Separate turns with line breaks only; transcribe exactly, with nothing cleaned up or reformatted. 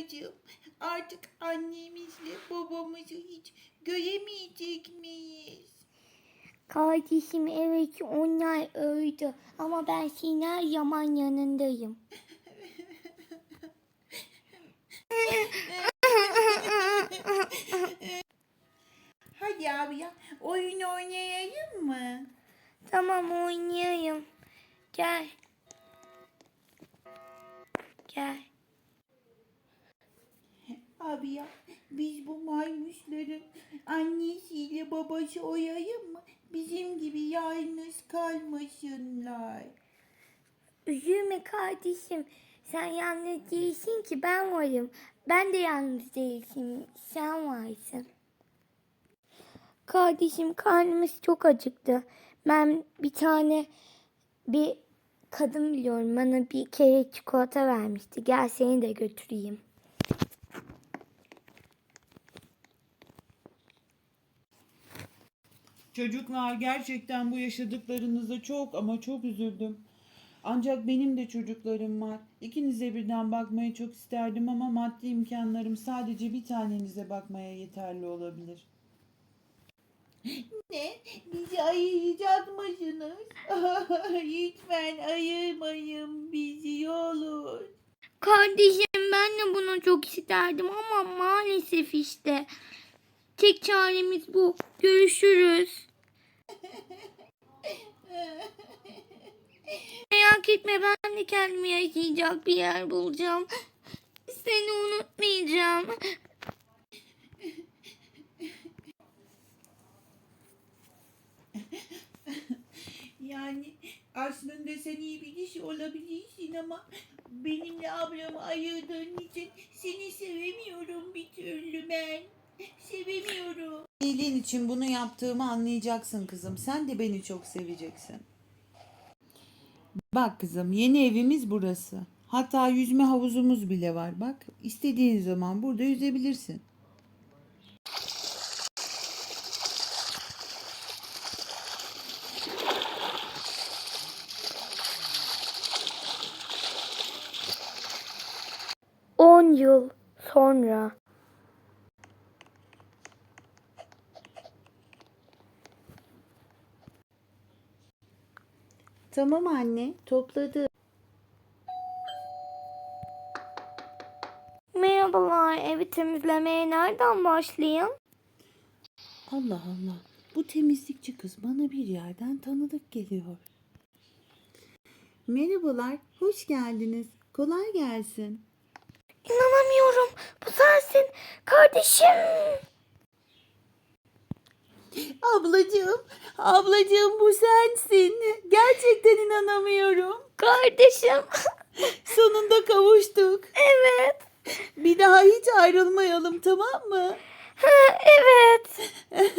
Ablacığım, artık annemizle babamızı hiç göremeyecek miyiz?
Kardeşim evet onlar öldü ama ben senin her zaman yanındayım.
Hadi abi ya, oyun oynayalım mı?
Tamam oynayayım. Gel. Gel.
Abi ya, biz bu maymuşların annesiyle babası oyayım mı? Bizim gibi yalnız kalmasınlar.
Üzülme kardeşim. Sen yalnız değilsin ki ben varım. Ben de yalnız değilsin. Sen varsın. Kardeşim karnımız çok acıktı. Ben bir tane bir kadın biliyorum. Bana bir kere çikolata vermişti. Gel seni de götüreyim.
Çocuklar, gerçekten bu yaşadıklarınıza çok ama çok üzüldüm. Ancak benim de çocuklarım var. İkinize birden bakmayı çok isterdim ama maddi imkanlarım sadece bir tanenize bakmaya yeterli olabilir.
Ne? Bizi ayıracak mısınız? Lütfen ayırmayın bizi olur.
Kardeşim ben de bunu çok isterdim ama maalesef işte. Tek çaremiz bu. Görüşürüz. Merak etme ben de kendime yaşayacak bir yer bulacağım. Seni unutmayacağım.
Yani aslında sen iyi bir kişi olabilirsin ama benimle ablamı ayırdığın için seni sevemiyorum bir türlü ben. Sevemiyorum.
İyiliğin için bunu yaptığımı anlayacaksın kızım. Sen de beni çok seveceksin. Bak kızım, yeni evimiz burası. Hatta yüzme havuzumuz bile var. Bak, istediğin zaman burada yüzebilirsin.
On yıl sonra.
Tamam anne, topladı.
Merhabalar, evi temizlemeye nereden başlayayım?
Allah Allah. Bu temizlikçi kız bana bir yerden tanıdık geliyor. Merhabalar, hoş geldiniz. Kolay gelsin.
İnanamıyorum, bu sensin kardeşim.
Ablacığım, ablacığım bu sensin. Gerçekten inanamıyorum.
Kardeşim.
Sonunda kavuştuk.
Evet.
Bir daha hiç ayrılmayalım, tamam mı?
Ha, evet.